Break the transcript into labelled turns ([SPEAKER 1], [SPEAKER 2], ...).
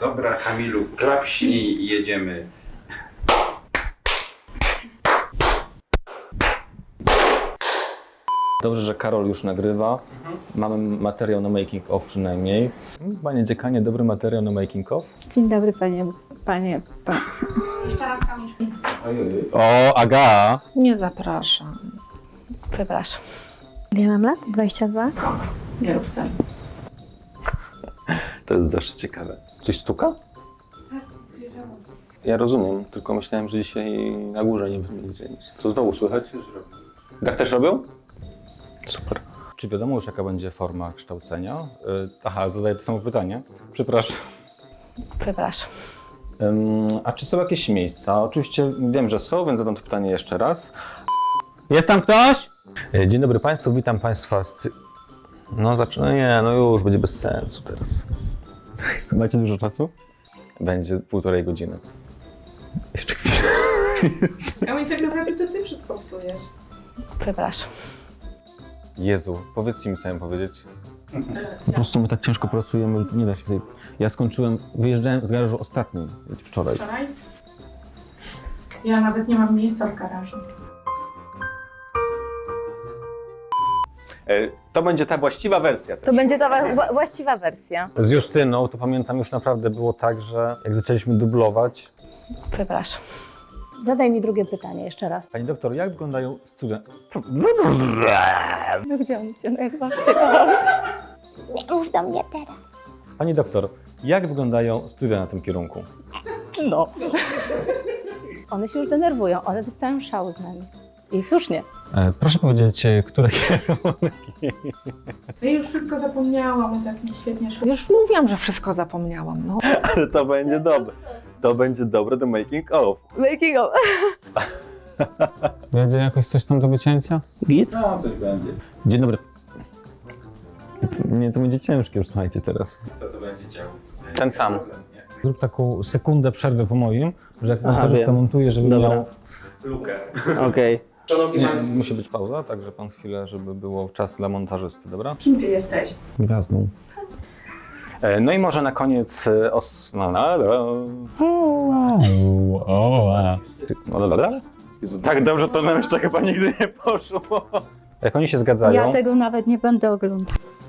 [SPEAKER 1] Dobra, Kamilu, klapśnij i jedziemy.
[SPEAKER 2] Dobrze, że Karol już nagrywa. Mamy materiał na making of przynajmniej. Panie dziekanie, dobry materiał na making of.
[SPEAKER 3] Dzień dobry, panie.
[SPEAKER 4] Jeszcze raz Kamil.
[SPEAKER 2] O, Aga!
[SPEAKER 4] Nie zapraszam.
[SPEAKER 3] Przepraszam. Ile mam lat? 22?
[SPEAKER 4] Nie rób sceny.
[SPEAKER 2] To jest zawsze ciekawe. Coś stuka? Ja rozumiem, tylko myślałem, że dzisiaj na górze nie będzie nic. Co znowu słychać? Tak też robią? Super. Czy wiadomo już, jaka będzie forma kształcenia? Aha, zadaję to samo pytanie. Przepraszam.
[SPEAKER 3] Przepraszam.
[SPEAKER 2] A czy są jakieś miejsca? Oczywiście wiem, że są, więc zadam to pytanie jeszcze raz. Jest tam ktoś? Dzień dobry Państwu, witam Państwa z... No już, będzie bez sensu teraz. Macie dużo czasu? Będzie 1,5 godziny. Jeszcze chwilę.
[SPEAKER 4] Kamil, tak naprawdę to ty wszystko psujesz.
[SPEAKER 3] Przepraszam.
[SPEAKER 2] Jezu, powiedzcie mi samym powiedzieć. Po prostu my tak ciężko pracujemy, nie da się tutaj... Ja skończyłem, wyjeżdżałem z garażu ostatnim, wczoraj.
[SPEAKER 4] Wczoraj? Ja nawet nie mam miejsca w garażu.
[SPEAKER 2] To będzie ta właściwa wersja.
[SPEAKER 3] To będzie ta właściwa wersja.
[SPEAKER 2] Z Justyną to pamiętam już naprawdę było tak, że jak zaczęliśmy dublować...
[SPEAKER 3] Przepraszam. Zadaj mi drugie pytanie jeszcze raz.
[SPEAKER 2] Pani doktor, jak wyglądają studia...
[SPEAKER 3] No gdzie on cię? No jak babcię.
[SPEAKER 5] Nie mów do mnie teraz.
[SPEAKER 2] Pani doktor, jak wyglądają studia na tym kierunku?
[SPEAKER 3] No. One się już denerwują, one dostają szału z nami. I słusznie.
[SPEAKER 2] Proszę powiedzieć, które kierunki?
[SPEAKER 4] Ja już szybko zapomniałam, tak mi świetnie szło.
[SPEAKER 6] Już mówiłam, że wszystko zapomniałam, no.
[SPEAKER 2] Ale to będzie dobre. To będzie dobre do making of.
[SPEAKER 3] Making of.
[SPEAKER 2] Będzie jakoś coś tam do wycięcia?
[SPEAKER 3] Git?
[SPEAKER 1] No, coś będzie.
[SPEAKER 2] Dzień dobry. Nie, to będzie ciężkie już, słuchajcie, teraz.
[SPEAKER 1] To będzie działo.
[SPEAKER 2] Ten sam.
[SPEAKER 1] Problem, nie?
[SPEAKER 2] Zrób taką sekundę przerwy po moim, że jak montażysta montuje, żeby miał...
[SPEAKER 1] Lukę.
[SPEAKER 7] Okej.
[SPEAKER 2] Nie, musi być pauza, także pan chwilę, żeby było czas dla montażysty, dobra?
[SPEAKER 4] Kim ty jesteś?
[SPEAKER 2] Gwiazdą. No i może na koniec Jezu, tak dobrze to nam jeszcze chyba nigdy nie poszło. Jak oni się zgadzają...
[SPEAKER 3] Ja tego nawet nie będę oglądać.